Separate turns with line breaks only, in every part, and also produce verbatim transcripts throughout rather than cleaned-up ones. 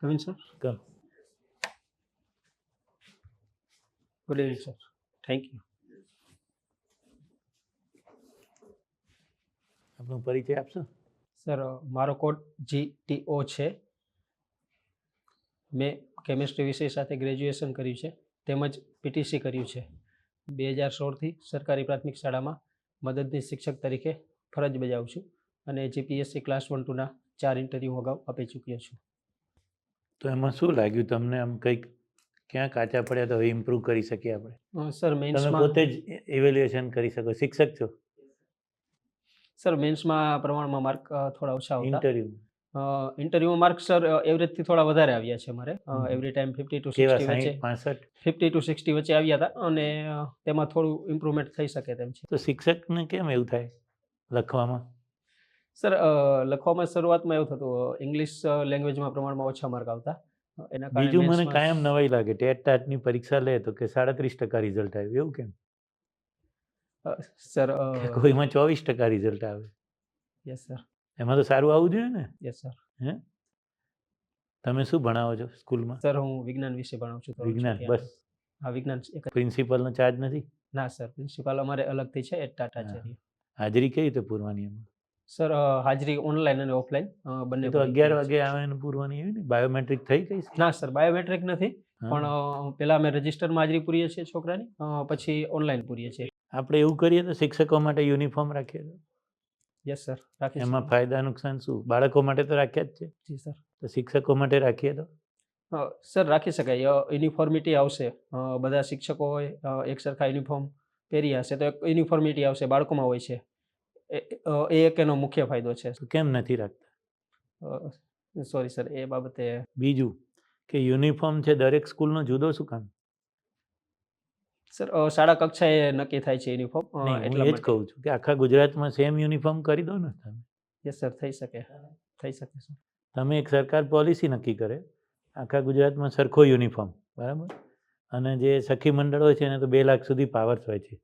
Arvind sir.
Come.
Good evening sir. Thank you.
આપનો પરિચય આપશો?
સર મારો કોડ જી ટી ઓ છે. મેં કેમિસ્ટ્રી વિષય સાથે ગ્રેજ્યુએશન કર્યું છે તેમજ પીટીસી કર્યું છે. બે હજાર સોળથી સરકારી પ્રાથમિક શાળામાં મદદનીશ શિક્ષક તરીકે ફરજ બજાવું છું અને જીપીએસસી ક્લાસ વન ટુના ચાર ઇન્ટરવ્યૂ અગાઉ આપી ચૂક્યો છું.
તો એમાં શું લાગ્યું તમને? આમ કંઈક ક્યાં કાચા પડ્યા તો હવે ઇમ્પ્રૂવ કરી શકીએ આપણે?
અ, સર
તમે
મેન્સમાં
પોતે જ ઇવેલ્યુએશન કરી શકો, શિક્ષક છો?
સર મેન્સમાં પ્રમાણમાં માર્ક થોડા ઓછા આવતા.
ઇન્ટરવ્યુ
ઇન્ટરવ્યુમાં માર્ક સર એવરેજથી થોડા વધારે આવ્યા છે મારે.
Hmm.
Every time fifty two
કેવા?
સિક્સટી વચ્ચે
સાહીઠ પાસઠ?
ફિફ્ટી ટુ સિક્સટી વચ્ચે આવ્યા હતા અને અ, તેમાં થોડું ઇમ્પ્રુવમેન્ટ થઈ શકે તેમ છે.
તો શિક્ષકને કેમ એવું થાય લખવામાં?
સર લખવામાં શરૂઆતમાં એવું થતું, ઇંગ્લિશ લેંગ્વેજમાં પ્રમાણમાં ઓછા માર્ક આવતા. એના કારણે
બીજું મને
મેથ્સમાં-
કાયમ નવાઈ લાગે, ટેટ ટાટની પરીક્ષા લે તો કે સાડત્રીસ ટકા રિઝલ્ટ આવ્યું, એવું કેમ?
અ, સર
કે કોઈમાં ચોવીસ ટકા રિઝલ્ટ આવે?
Yes sir.
એમાં તો સારું આવવું જોઈએ ને.
Yes sir.
હે, તમે શું ભણાવો છો સ્કૂલમાં?
સર હું વિજ્ઞાન વિશે ભણાવું છું. ધોરણ
વિજ્ઞાન
છથી
બસ?
આઠ. હા વિજ્ઞાન એક જ.
પ્રિન્સિપલનો ચાર્જ નથી?
ના સર, પ્રિન્સિપાલ અમારે અલગથી છે એટ ટાટા
હા.
છે.
હાજરી કઈ રીતે પૂરવાની એમાં?
સર હાજરી ઓનલાઈન અને ઓફલાઈન બંને
એ તો
ભરી
અગિયાર
દીધી છે.
વાગે આવે ને પૂરવાની એવી ને? બાયોમેટ્રિક થઈ ગઈ છે?
ના સર, બાયોમેટ્રિક નથી,
હા.
પણ અ, પેલા અમે રજિસ્ટરમાં હાજરી પૂરીએ છીએ છોકરાની, અ, પછી ઓનલાઈન પૂરીએ છીએ.
આપણે એવું કરીએ તો શિક્ષકો માટે યુનિફોર્મ રાખીએ તો
યસ સર, રાખી
એમાં
શકીએ.
ફાયદા નુકસાન શું? બાળકો માટે તો રાખ્યા જ છે,
જી સર.
તો શિક્ષકો માટે રાખીએ તો?
અ, સર રાખી શકાય. યુનિફોર્મિટી આવશે, અ, બધા શિક્ષકો હોય અ, એક સરખા યુનિફોર્મ પહેરી હશે તો એક યુનિફોર્મિટી આવશે, બાળકોમાં હોય છે. એ અ, એ એક એનો મુખ્ય ફાયદો છે.
તો કેમ નથી રાખતા?
સોરી સર, એ બાબતે
બીજું કે યુનિફોર્મ છે દરેક સ્કૂલનો જુદો શું કામ?
સર અ, શાળા કક્ષાએ નક્કી થાય છે યુનિફોર્મ, અ,
નહીં, હું
એટલા
એ જ
માટે.
કહું છું કે આખા ગુજરાતમાં સેમ યુનિફોર્મ કરી દો ને તમે.
યસ સર, થઈ શકે, થઈ શકે સર.
તમે એક સરકાર પોલિસી નક્કી કરે આખા ગુજરાતમાં સરખો યુનિફોર્મ, બરાબર? અને જે સખી મંડળ હોય છે એને તો બે લાખ સુધી પાવર્સ હોય છે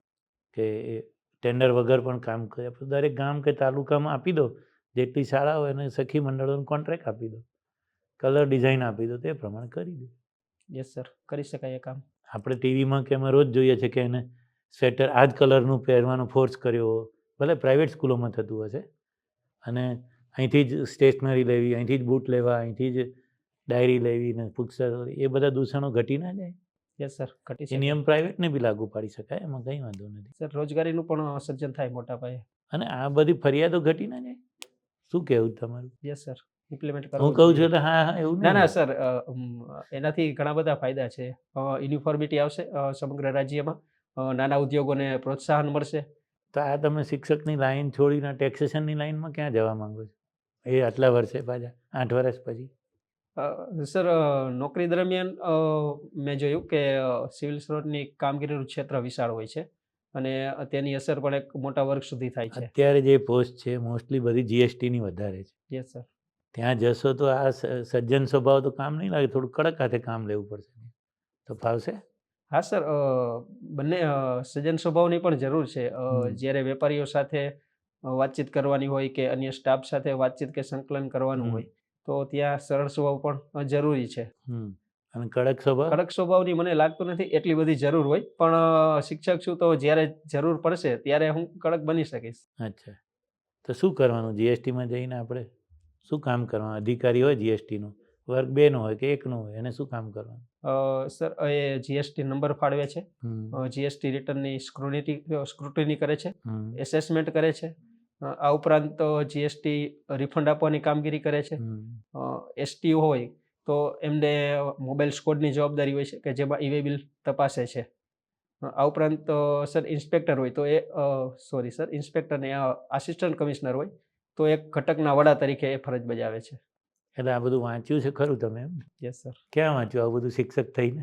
કે એ ટેન્ડર વગર પણ કામ કરે. દરેક ગામ કે તાલુકામાં આપી દો, જેટલી શાળા હોય એને સખી મંડળોને કોન્ટ્રાક્ટ આપી દો, કલર ડિઝાઇન આપી દો, તે પ્રમાણે કરી દો.
યસ સર, કરી શકાય એ કામ.
આપણે ટીવીમાં કે એમાં રોજ જોઈએ છે કે એને સ્વેટર આ જ કલરનું પહેરવાનો ફોર્સ કર્યો, ભલે પ્રાઇવેટ સ્કૂલોમાં થતું હશે, અને અહીંથી જ સ્ટેશનરી લેવી, અહીંથી જ બૂટ લેવા, અહીંથી જ ડાયરી લેવી ને પુસ્તક, એ બધા દૂષણો ઘટી ના જાય?
યસ સર, ઘટી
એ
શકે.
નિયમ પ્રાઇવેટને બી લાગુ પાડી શકાય, એમાં કંઈ વાંધો નથી.
સર રોજગારીનું પણ સર્જન થાય મોટા પાયે.
અને આ બધી ફરિયાદો ઘટી ના જાય? શું કહેવું તમારું?
યસ સર, ઇમ્પ્લિમેન્ટ
હું
કરવું
કહું
જોઈએ.
છું એટલે હા હા એવું
ના
નહીં.
ના સર, અ, ઉમ, એનાથી ઘણા બધા ફાયદા છે. યુનિફોર્મિટી આવશે અ, સમગ્ર રાજ્યમાં, અ, નાના ઉદ્યોગોને પ્રોત્સાહન મળશે.
તો આ તમે શિક્ષકની લાઈન છોડીને ટેક્સેશનની લાઈનમાં ક્યાં જવા માંગો છો? એ આટલા વર્ષે પાછા આઠ વર્ષ પછી?
અ, સર અ, નોકરી દરમિયાન અ, મેં જોયું કે સિવિલ સર્વન્ટની કામગીરીનું ક્ષેત્ર વિશાળ હોય છે અને તેની અસર પણ એક મોટા વર્ગ સુધી થાય છે.
અત્યારે જે પોસ્ટ છે મોસ્ટલી બધી જીએસટીની વધારે છે.
Yes sir.
ત્યાં જશો તો આ સ- સજ્જન સ્વભાવ તો કામ નહીં લાગે, થોડું કડક હાથે કામ લેવું પડશે, તો ફાવશે?
હા સર, અ, બંને અ, સજ્જન સ્વભાવની પણ જરૂર છે. અ,
હમ.
જ્યારે વેપારીઓ સાથે અ, વાતચીત કરવાની હોય કે અન્ય સ્ટાફ સાથે વાતચીત કે સંકલન કરવાનું
હમ.
હોય તો ત્યાં સરળ સ્વભાવ પણ અ, જરૂરી છે.
હમ. અને કડક સ્વભાવ?
કડક સ્વભાવની મને લાગતું નથી એટલી બધી જરૂર હોય, પણ અ, શિક્ષક છું તો જ્યારે જરૂર પડશે ત્યારે હું કડક બની શકીશ.
અચ્છા, તો શું કરવાનું જીએસટીમાં જઈને આપણે? શું કામ કરવાનું? અધિકારી હોય જીએસટીનો, વર્ગ બેનો હોય કે એકનો હોય, એને શું કામ કરવાનું?
અ, સર એ જીએસટી નંબર ફાળવે છે,
હમ.
જીએસટી રિટર્નની સ્ક્રુનિટી સ્ક્રુટિની કરે છે,
હમ.
એસેસમેન્ટ કરે છે. અ, આ ઉપરાંત જીએસટી રિફંડ આપવાની કામગીરી કરે છે.
હમ.
એસટીઓ હોય તો એમને મોબાઈલ સ્કોડની જવાબદારી હોય છે કે જેમાં ઈ વે બિલ તપાસે છે. અ, આ ઉપરાંત અ, સર ઇન્સ્પેક્ટર હોય તો એ સોરી સર ઇન્સ્પેક્ટર ને આસિસ્ટન્ટ કમિશનર હોય તો એક ઘટકના વડા તરીકે એ ફરજ બજાવે છે.
એટલે આ બધું વાંચ્યું છે ખરું તમે એમ?
Yes sir.
ક્યાં વાંચ્યું આવું બધું શિક્ષક થઈને?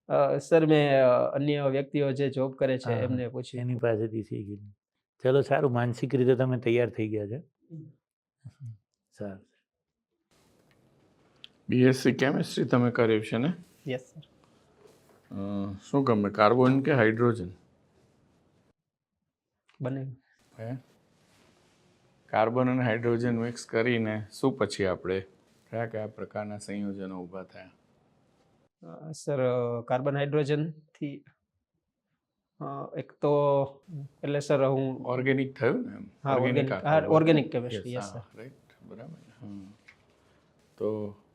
સર મેં અ, અન્ય વ્યક્તિઓ જે જોબ કરે છે
હા,
એમને પૂછ્યું.
એની પાસેથી શીખી. ચલો સારું, માનસિક રીતે તમે તૈયાર થઈ ગયા છે. સારું.
બીએસસી કેમિસ્ટ્રી તમે કર્યું છે ને?
Yes sir.
અ, શું ગમે, કાર્બન કે હાઇડ્રોજન?
બંને.
હે, કાર્બન અને હાઇડ્રોજન મિક્સ કરીને શું પછી આપણે કયા કયા પ્રકારના સંયોજનો ઊભા થયા?
અ, સર કાર્બન હાઇડ્રોજનથી અ, એક તો એટલે સર હું
ઓર્ગેનિક થયું ને એમ?
હા ઓર્ગેનિક
આખું
હા
બરાબર?
ઓર્ગેનિક
Yes,
કેમિસ્ટ્રી યસ
હા,
સર.
right, બરાબર ને? હમ. તો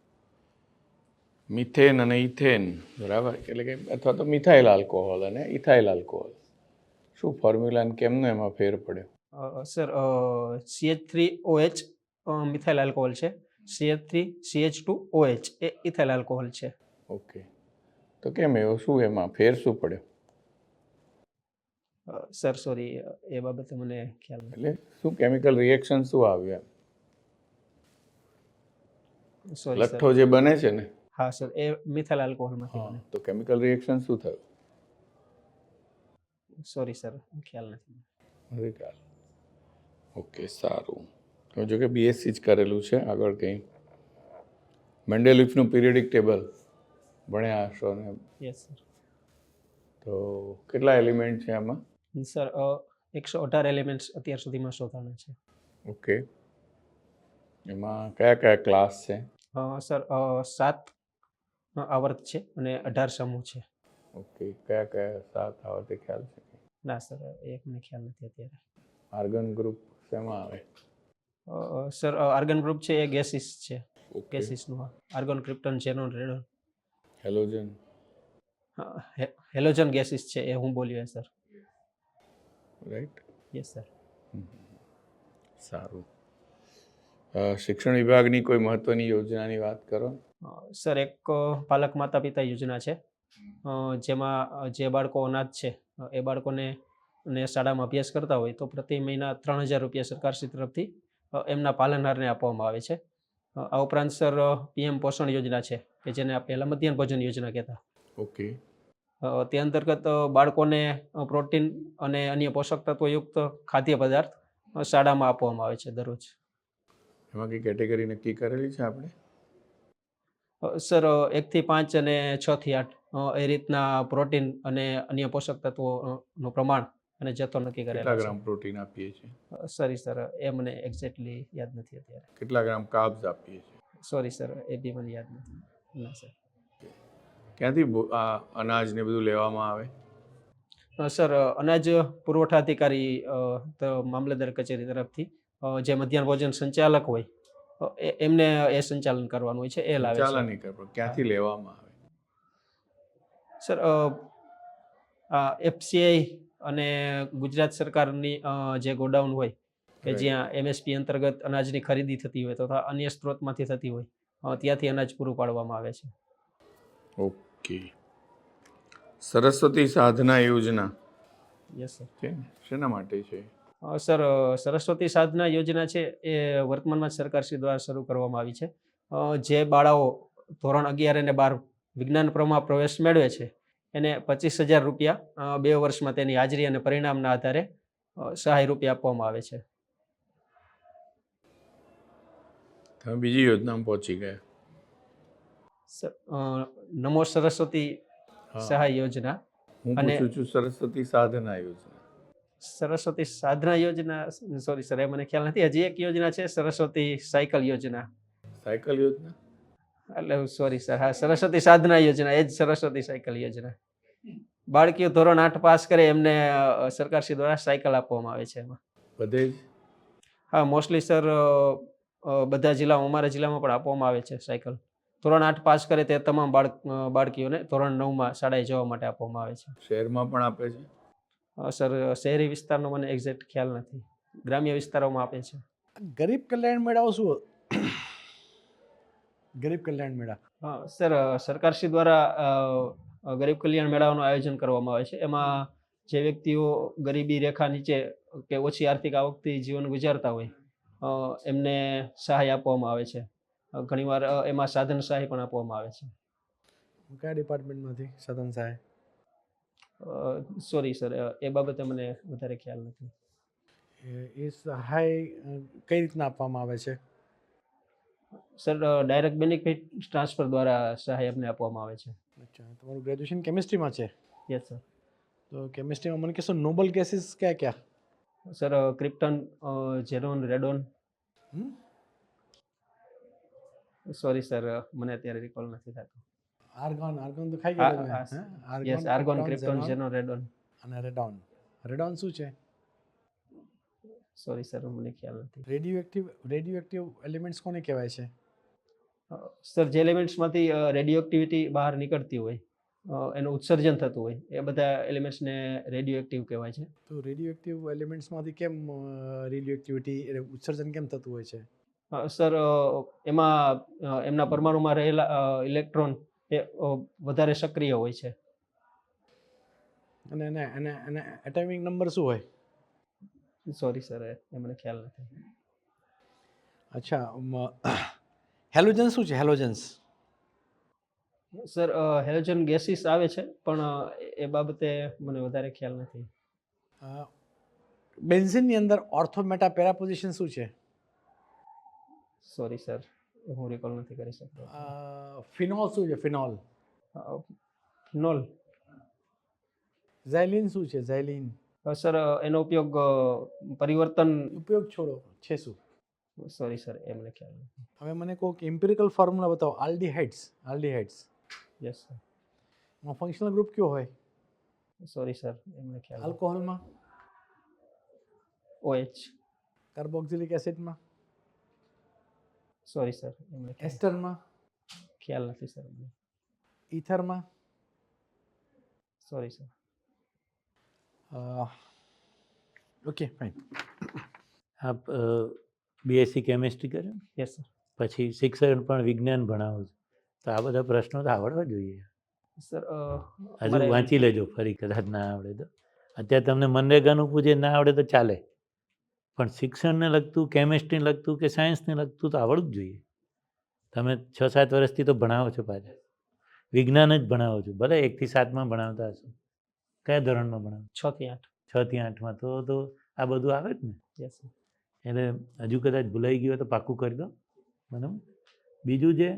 મિથેન અને ઇથેન બરાબર, એટલે કે અથવા તો મિથાઇલ આલ્કોહોલ અને ઇથાઇલ આલ્કોહોલ, શું ફોર્મ્યુલા અને કેમનો એમાં ફેર પડ્યો?
Sir CH three OH methyl alcohol છે, CH three CH two OH એ ઇથાઇલ આલ્કોહોલ છે.
ઓકે, તો કેમ એવો, શું એમાં ફેર શું પડ્યો?
અ, સર સોરી એ બાબતે મને ખ્યાલ નથી.
એટલે શું કેમિકલ રિએક્શન શું આવ્યું એમ?
Sorry sir.
લઠ્ઠો જે બને છે ને,
હા સર એ મિથાઇલ આલ્કોહોલમાંથી
હા,
બને.
તો કેમિકલ રિએક્શન શું થયું?
સોરી સર ખ્યાલ નથી.
નથી ખ્યાલ. ઓકે, સારું. તો જો કે બીએસસી જ કરેલું છે, આગળ કંઈ મેન્ડેલિફનું પીરિયડિક ટેબલ ભણ્યા હશો ને?
Yes sir.
તો કેટલા એલિમેન્ટ છે આમાં?
સર એકસો અઢાર એલિમેન્ટ્સ અત્યાર સુધીમાં શોધાણા છે.
ઓકે, એમાં કયા કયા ક્લાસ છે?
અ, સર અ, સાત આવર્ત છે અને અઢાર સમૂહ છે.
ઓકે, કયા કયા સાત આવે તે ખ્યાલ છે?
ના સર એ મને ખ્યાલ નથી અત્યારે.
આર્ગન ગ્રુપ શેમાં આવે?
અ, સર આર્ગન ગ્રુપ છે એ ગેસીસ છે.
ઓકે,
ગેસીસનું argon krypton xenon radon
halogen.
Halogen gases છે એ હું બોલ્યો સર.
Right,
yes sir.
સારું. અ, શિક્ષણ વિભાગની કોઈ મહત્વની યોજનાની વાત કરો.
સર એક અ, પાલક માતા પિતા યોજના છે, અ, જેમાં અ, જે બાળકો અનાથ છે અ, એ બાળકોને ને શાળામાં અભ્યાસ કરતા હોય તો પ્રતિ મહિના ત્રણ હજાર રૂપિયા સરકારશ્રી તરફથી અ, એમના પાલનહારને આપવામાં આવે છે. અ, આ ઉપરાંત સર પીએમ પોષણ યોજના છે કે જેને આ પહેલા મધ્યાહન ભોજન યોજના કહેતા.
ઓકે,
અ, તે અંતર્ગત અ, બાળકોને અ, પ્રોટીન અને અન્ય પોષક તત્વયુક્ત ખાદ્ય પદાર્થ અ, શાળામાં આપવામાં આવે છે દરરોજ.
એમાં કઈ કેટેગરી નક્કી કરેલી છે આપણે?
અ, સર અ, એકથી પાંચ અને છ થી આઠ અ, એ રીતના પ્રોટીન અને અન્ય પોષક તત્વોનું પ્રમાણ અને જથ્થો નક્કી
કેટલા
કરેલા છે.
ગ્રામ પ્રોટીન આપીએ છીએ?
અ, સોરી સર એ મને એક્ઝેક્ટલી યાદ નથી અત્યારે.
કેટલા ગ્રામ કાર્બ્સ આપીએ છીએ?
સોરી સર એ બી મને યાદ નથી. ના સર.
ક્યાંથી ભો- આ અનાજ ને બધું લેવામાં આવે?
અ, સર અ, અનાજ પુરવઠા અધિકારી અ, તો મામલતદાર કચેરી તરફથી અ, જે મધ્યાહન ભોજન સંચાલક હોય અ, એ- એમને એ સંચાલન કરવાનું હોય છે એ લાવે છે.
સંચાલન નહીં કરે, પણ ક્યાંથી લેવામાં આવે?
સર એફસીઆઈ અને ગુજરાત સરકારની અ, જે ગોડાઉન હોય કે
Right.
જ્યાં એમએસપી અંતર્ગત અનાજની ખરીદી થતી હોય તથા અન્ય સ્ત્રોતમાંથી થતી હોય અ, ત્યાંથી અનાજ પૂરું પાડવામાં આવે છે.
ઓકે. સરસ્વતી સાધના યોજના
યસ સર.
છે ને, શેના માટે છે?
અ, સર અ, સરસ્વતી સાધના યોજના છે એ વર્તમાનમાં જ સરકારશ્રી દ્વારા શરૂ કરવામાં આવી છે. અ, જે બાળાઓ ધોરણ અગિયાર અને બાર વિજ્ઞાન પ્રવાહમાં પ્રવેશ મેળવે છે એને પચીસ હજાર રૂપિયા અ, બે વર્ષમાં તેની હાજરી અને પરિણામના આધારે અ, સહાય રૂપિયા આપવામાં આવે છે.
તમે બીજી યોજનામાં પહોંચી ગયા.
સર અ, નમો સરસ્વતી
હા.
સહાય યોજના
હું
અને
પૂછું છું સરસ્વતી સાધના યોજના.
સરસ્વતી સાધના યોજના સોરી સર એ મને ખ્યાલ નથી. હજી એક યોજના છે સરસ્વતી સાયકલ યોજના.
સાયકલ યોજના?
એટલે સોરી સર હા સરસ્વતી સાધના યોજના એ જ સરસ્વતી સાયકલ યોજના. બાળકીઓ ધોરણ આઠ પાસ કરે એમને અ, સરકારશ્રી દ્વારા સાયકલ આપવામાં આવે છે એમાં.
બધે જ?
હા મોસ્ટલી સર અ, અ, બધા જિલ્લામાં અમારા જિલ્લામાં પણ આપવામાં આવે છે સાયકલ. ધોરણ આઠ પાસ કરે તે તમામ બાળક અ, બાળકીઓને ધોરણ નવમાં શાળાએ જવા માટે આપવામાં આવે છે.
શહેરમાં પણ આપે છે?
અ, સર શહેરી વિસ્તારનો મને એક્ઝેક્ટ ખ્યાલ નથી. ગ્રામ્ય વિસ્તારોમાં આપે છે.
ગરીબ કલ્યાણ મેળાઓ શું ગરીબ કલ્યાણ મેળા
હા સર અ, સરકારશ્રી દ્વારા અ, અ, ગરીબ કલ્યાણ મેળાઓનું આયોજન કરવામાં આવે છે. એમાં જે વ્યક્તિઓ ગરીબી રેખા નીચે કે ઓછી આર્થિક આવકથી જીવન ગુજારતા હોય અ, એમને સહાય આપવામાં આવે છે. અ, ઘણીવાર અ, એમાં સાધન સહાય પણ આપવામાં આવે છે.
કયા ડિપાર્ટમેન્ટમાંથી સદન સહાય
સોરી સર એ બાબતે મને વધારે ખ્યાલ નથી.
એ- એ સહાય અ, કઈ રીતના આપવામાં આવે છે?
સર ડાયરેક્ટ બેનિફિટ ટ્રાન્સફર દ્વારા સહાય અમને આપવામાં આવે છે.
અચ્છા, તમારું ગ્રેજ્યુએશન કેમિસ્ટ્રીમાં છે,
યસ સર.
તો કેમિસ્ટ્રીમાં મને કહેશો નોબલ ગેસીસ કયા કયા?
સર ક્રિપ્ટન ઝેરોન રેડોન
હમ?
સોરી સર, મને અત્યારે રિકોલ નથી થતું.
આર્ગોન આર્ગોન તો ખાઈ
હા,
ગયા તમે
હા,
હે?
Yes, argon, krypton, xenon, radon.
અને રેડોન. રેડોન શું છે?
સોરી સર, મને ખ્યાલ નથી.
Radioactive radioactive elements કોને કહેવાય છે?
સર, જે એલિમેન્ટ્સમાંથી રેડિયો એક્ટિવિટી બહાર નીકળતી હોય, અ, એનું ઉત્સર્જન થતું હોય, એ બધા એલિમેન્ટ્સને રેડિયો એક્ટિવ કહેવાય છે.
તો રેડિયો એક્ટિવ એલિમેન્ટ્સમાંથી કેમ રેડિયો એક્ટિવિટી ઉત્સર્જન કેમ થતું હોય છે?
અ, સર, અ, એમાં અ, એમના પરમાણુમાં રહેલા ઇલેક્ટ્રોન એ અ, વધારે સક્રિય હોય છે.
અને એને એને એને એટોમિક નંબર શું હોય?
સોરી સર, એ મને ખ્યાલ નથી.
અચ્છા, હેલોજન્સ શું છે? હેલોજન્સ
સર, હેલોજન ગેસીસ આવે છે, પણ અ, એ બાબતે મને વધારે ખ્યાલ નથી.
બેન્ઝિનની અંદર ઓર્થો મેટા પેરા પોઝિશન શું છે?
સોરી સર, હું રિકોલ નથી કરી શકતો.
ફિનોલ શું છે? ફિનોલ.
ફિનોલ.
ઝાયલિન શું છે? ઝાયલિન.
સર, એનો ઉપયોગ અ, પરિવર્તન.
ઉપયોગ છોડો, છે શું?
સોરી સર, એ મને ખ્યાલ નથી.
હવે મને કહો કે ઇમ્પિરિકલ ફોર્મ્યુલા બતાવો. આલ્ડીહાઇડ્સ. Aldehydes
yes sir.
એમાં ફંક્શનલ ગ્રુપ કયો હોય?
સોરી સર, એ મને ખ્યાલ નથી.
આલ્કોહોલમાં?
ઓએચ.
કાર્બોક્સિલિક એસિડમાં?
સોરી સર, એ મને ખ્યાલ
એસ્ટરમાં?
ખ્યાલ નથી સર મને.
ઈથરમાં?
Sorry sir.
Okay fine.
આપ બીએસસી કેમિસ્ટ્રી કર્યું,
યસ સર.
પછી શિક્ષણ પણ વિજ્ઞાન ભણાવો છો, તો આ બધા પ્રશ્નો તો આવડવા જોઈએ.
સર, અ,
હજુ
અમારે-
વાંચી લેજો ફરી, કદાચ ના આવડે તો. અત્યારે તમને મનરેગાનું પૂછે ના આવડે તો ચાલે, પણ શિક્ષણને લગતું, કેમિસ્ટ્રીને લગતું કે સાયન્સને લગતું તો આવડવું જ જોઈએ. તમે છ સાત વર્ષથી તો ભણાવો છો, પાછા વિજ્ઞાન જ ભણાવો છો, ભલે એકથી સાતમાં ભણાવતા હશો. કયા ધોરણમાં ભણાવો?
છ થી આઠ.
છ થી આઠમાં તો તો આ બધું આવે જ ને.
Yes sir.
એટલે હજુ કદાચ ભૂલાઈ ગયું હોય તો પાક્કું કરી દો. બરાબર. બીજું જે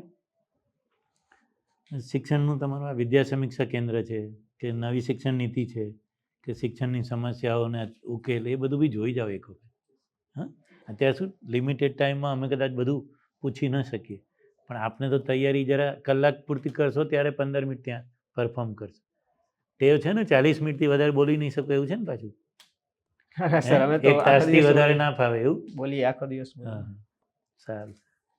શિક્ષણનું તમારું આ વિદ્યા સમીક્ષા કેન્દ્ર છે, કે નવી શિક્ષણ નીતિ છે, કે શિક્ષણની સમસ્યાઓને ઉકેલ, એ બધું બી જોઈ જાઓ એક વખત. હા, અત્યારે શું લિમિટેડ ટાઈમમાં અમે કદાચ બધું પૂછી ન શકીએ, પણ આપને તો તૈયારી જરા કલાક પૂરતી કરશો ત્યારે પંદર મિનિટ ત્યાં પરફોર્મ કરશો. ટેવ છે ને ચાલીસ મિનિટથી વધારે બોલી નહીં શકો એવું છે ને પાછું?
સર, અમે તો
એક
આખો
તાસથી
દિવસ
વધારે ના ફાવે એવું?
બોલીએ, આખો દિવસ બોલીએ.
હા, સારું.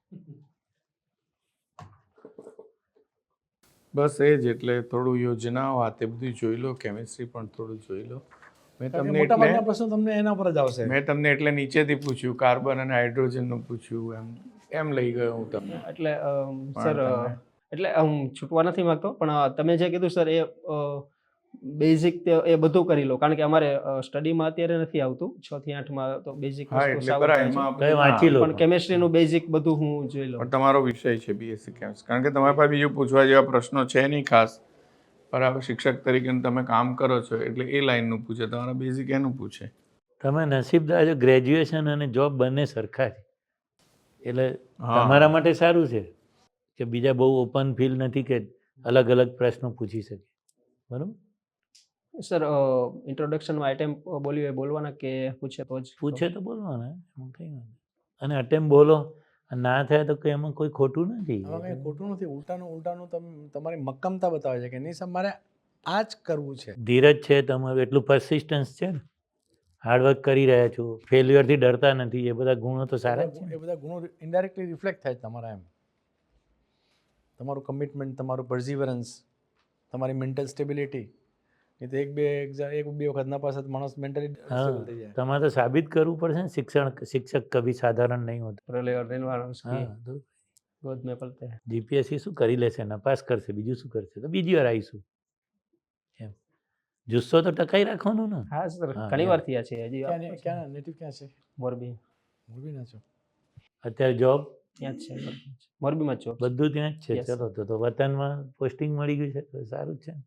બસ એ જ, એટલે થોડું યોજનાઓ આ તે બધું જોઈ લો, કેમિસ્ટ્રી પણ થોડું જોઈ લો. મેં તમને
મોટા ભાગના
એટલે
પ્રશ્નો તમને એના પર જ આવશે.
મેં તમને એટલે નીચેથી પૂછ્યું, કાર્બન અને હાઇડ્રોજનનું પૂછ્યું, એમ એમ લઈ ગયો હું તમને.
એટલે અમ,
પણ
સર, અ,
તમે-
એટલે હું છૂટવા નથી માંગતો, પણ અ, તમે જે કીધું સર, એ બેઝિક એ બધું કરી લો, કારણ કે અમારે સ્ટડીમાં અત્યારે નથી આવતું. છ થી આઠમાં તો બેઝિક
હા,
વસ્તુ
એટલે
સાવ
બરાબર,
થાય છે.
એમાં
કઈ
બધું
વાંચી લો.
પણ કેમેસ્ટ્રીનું બેઝિક બધું હું જોઈ લઉં.
પણ તમારો વિષય છે બીએસસી કેમિસ્ટ્રી, કારણ કે તમારી પાસે બીજું પૂછવા જેવા પ્રશ્નો છે નહીં ખાસ. બરાબર, શિક્ષક તરીકે તમે કામ કરો છો એટલે એ લાઈનનું પૂછે, તમારા બેઝિક એનું પૂછે.
તમે નસીબદાર છો, ગ્રેજ્યુએશન અને જોબ બંને સરખા છે, એટલે
હા.
તમારા માટે સારું છે કે બીજા બહુ ઓપન ફિલ્ડ નથી કે અલગ અલગ પ્રશ્નો પૂછી શકે. બરાબર.
સર, ઇન્ટ્રોડક્શનમાં આઈટેમ બોલ્યું એ બોલવાના કે પૂછે તો જ?
પૂછે તો બોલવાના, એમાં કંઈ વાંધો નહીં. અને અટેમ્પ બોલો, ના થાય તો કંઈ એમાં કોઈ ખોટું નથી.
આમાં કંઈ ખોટું નથી. ઉલટાનું ઉલટાનું તમે તમારી મક્કમતા બતાવે છે કે નહીં સાહેબ, મારે આ જ કરવું છે.
ધીરજ છે તમારું, એટલું પરસિસ્ટન્સ છે ને, હાર્ડવર્ક કરી રહ્યા છો, ફેલ્યુઅરથી ડરતા નથી, એ બધા ગુણો તો સારા જ છે
એ
ને.
બધા ગુણો ઇનડાયરેક્ટલી રિફ્લેક્ટ થાય છે તમારા. એમ તમારું કમિટમેન્ટ, તમારું પર્ઝિવરન્સ, તમારી મેન્ટલ સ્ટેબિલિટી. નહીં તો એક બે એક્ઝામ એક બે વખત ના પાસે માણસ મેન્ટલી અનસ્ટેબલ થઈ જાય.
તમારે તો સાબિત કરવું પડશે ને, શિક્ષણ શિક્ષક કભી સાધારણ નહીં હોતા.
પ્રલય और रेनवारंस की
હા, તો
गोद में पलते हैं.
જીપીએસસી શું કરી લેશે, નપાસ કરશે, બીજું શું કરશે, તો બીજી વાર આવીશું. એમ જુસ્સો તો ટકાઈ રાખવાનો ને.
હા સર,
હા,
ઘણી
એમ.
વાર થયા છે હજી.
ક્યાં ને- ક્યાં નેટિવ ક્યાં છે?
મોરબી.
મોરબીના છો?
અત્યારે જોબ
ત્યાં જ છે, મોરબીમાં જ. મોરબીમાં જ job છે.
બધું ત્યાં જ છે.
Yes,
ચલો તો તો વતનમાં પોસ્ટિંગ મળી ગયું છે તો સારું જ છે ને.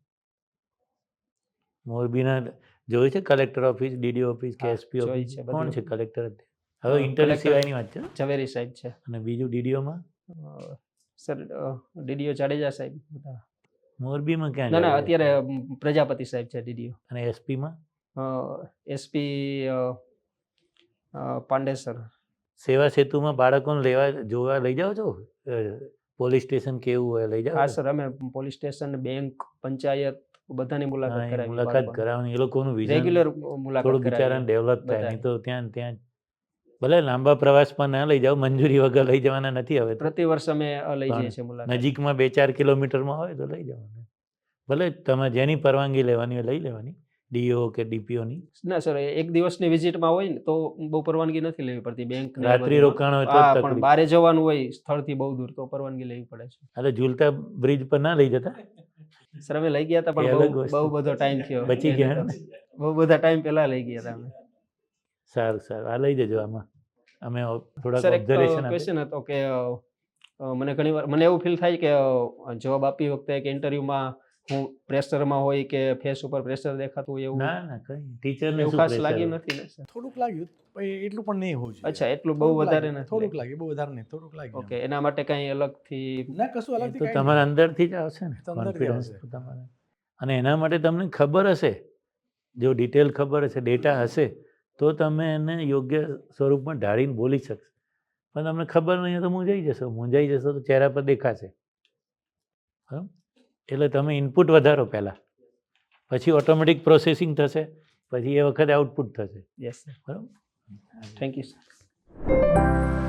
મોરબીના જોયું છે કલેક્ટર ઓફિસ, ડીડી ઓફિસ કે
હા,
એસપી
જોઈ
ઓફિસ,
છે,
કોણ
બધું.
છે કલેક્ટર? હવે
અ,
ઇન્ટરવ્યુ
collector-
સિવાયની વાત છે.
ઝવેરી સાહેબ છે.
અને બીજું ડીડીઓમાં
અ, સર, ડીડીઓ જાડેજા સાહેબ હતા.
મોરબીમાં ક્યાં
ના ના,
જાય?
અત્યારે અમ, પ્રજાપતિ સાહેબ છે ડીડીઓ.
અને એસપીમાં
એસપી પાંડેસર
સેવા સેતુમાં બાળકોને લેવા જોવા લઈ જાઓ છો પોલીસ સ્ટેશન કેવું હોય લઈ જાઓ
હા
છો?
સર, અમે પોલીસ સ્ટેશન, બેંક, પંચાયત બધાની
હા,
મુલાકાત
એ
કરાવી.
મુલાકાત કરાવવાની એ લોકોનું વિઝન
રેગ્યુલર મુલાકાત
થોડું બિચારાને
કરાવી.
ડેવલપ થાય
બધાએ.
નહીં તો ત્યાં ને ત્યાં ભલે લાંબા પ્રવાસમાં ના લઈ જાઓ, મંજૂરી વગર લઈ જવાના નથી હવે તો.
પ્રતિ વર્ષ અમે અ, લઈ
પણ
જઈએ છીએ મુલાકાત.
નજીકમાં બે ચાર કિલોમીટરમાં હોય તો લઈ જવાનું. ભલે તમે જેની પરવાનગી લેવાની હોય લઈ લેવાની, ડીઓ કે ડીપીઓની.
ના સર, એક દિવસની વિઝિટમાં હોય ને તો બહુ પરવાનગી નથી લેવી પડતી બેંક ને એ
રાત્રિ
બધું.
રોકાણ હોય તો જ
હા, પણ
તકલીફ.
બારે જવાનું હોય સ્થળથી બહુ દૂર તો પરવાનગી લેવી પડે છે.
એટલે ઝૂલતા બ્રિજ પર ના લઈ જતા,
સર, અમે લઈ ગયા હતા
એ
પણ
અલગ
બહુ
વસ્તુ.
બહુ બધો ટાઈમ થયો.
બચી ગયા
એને તો. બહુ બધા ટાઈમ પહેલા લઈ ગયા હતા અમે.
સારું સારું, આ લઈ જજો આમાં. અમે થોડાક
સર, એક
ઓબ્ઝર્વેશન આપીએ.
ક્વેશ્ચન હતો કે અ, અ, મને ઘણી વાર મને એવું ફીલ થાય કે જવાબ આપતી વખતે કે ઇન્ટરવ્યુમાં હું પ્રેશરમાં હોય કે ફેસ ઉપર પ્રેશર દેખાતું હોય એવું
ના ના કઈ ટીચરને
એવું
શું
ખાસ
pressure
લાગ્યું
હોય?
નથી ને સર?
થોડુંક લાગ્યું પણ એટલું પણ નહીં હોવું જોઈએ.
અચ્છા, એટલું બહુ
થોડુંક
વધારે
લાગ્યું,
નથી
થોડુંક
લાગ્યું.
લાગ્યું, બહુ વધારે નહીં, થોડુંક લાગ્યું.
ઓકે, એના માટે કઈ અલગથી
ના, કશું
એ
અલગથી
તો
કાંઈ
તમારા
નહીં.
અંદરથી જ આવશે ને
તો અંદરથી
કોન્ફિડન્સ
આવશે.
તમારે. અને એના માટે તમને ખબર હશે, જો ડિટેલ ખબર હશે, ડેટા હશે, તો તમે એને યોગ્ય સ્વરૂપમાં ઢાળીને બોલી શકશો. પણ તમને ખબર નહીં હોય તો મૂંઝાઈ જશો, મૂંઝાઈ જશો તો ચહેરા પર દેખાશે. બરાબર? એટલે તમે ઇનપુટ વધારો પહેલાં, પછી ઓટોમેટિક પ્રોસેસિંગ થશે, પછી એ વખતે આઉટપુટ થશે.
યસ સર,
બરાબર?
Thank you sir.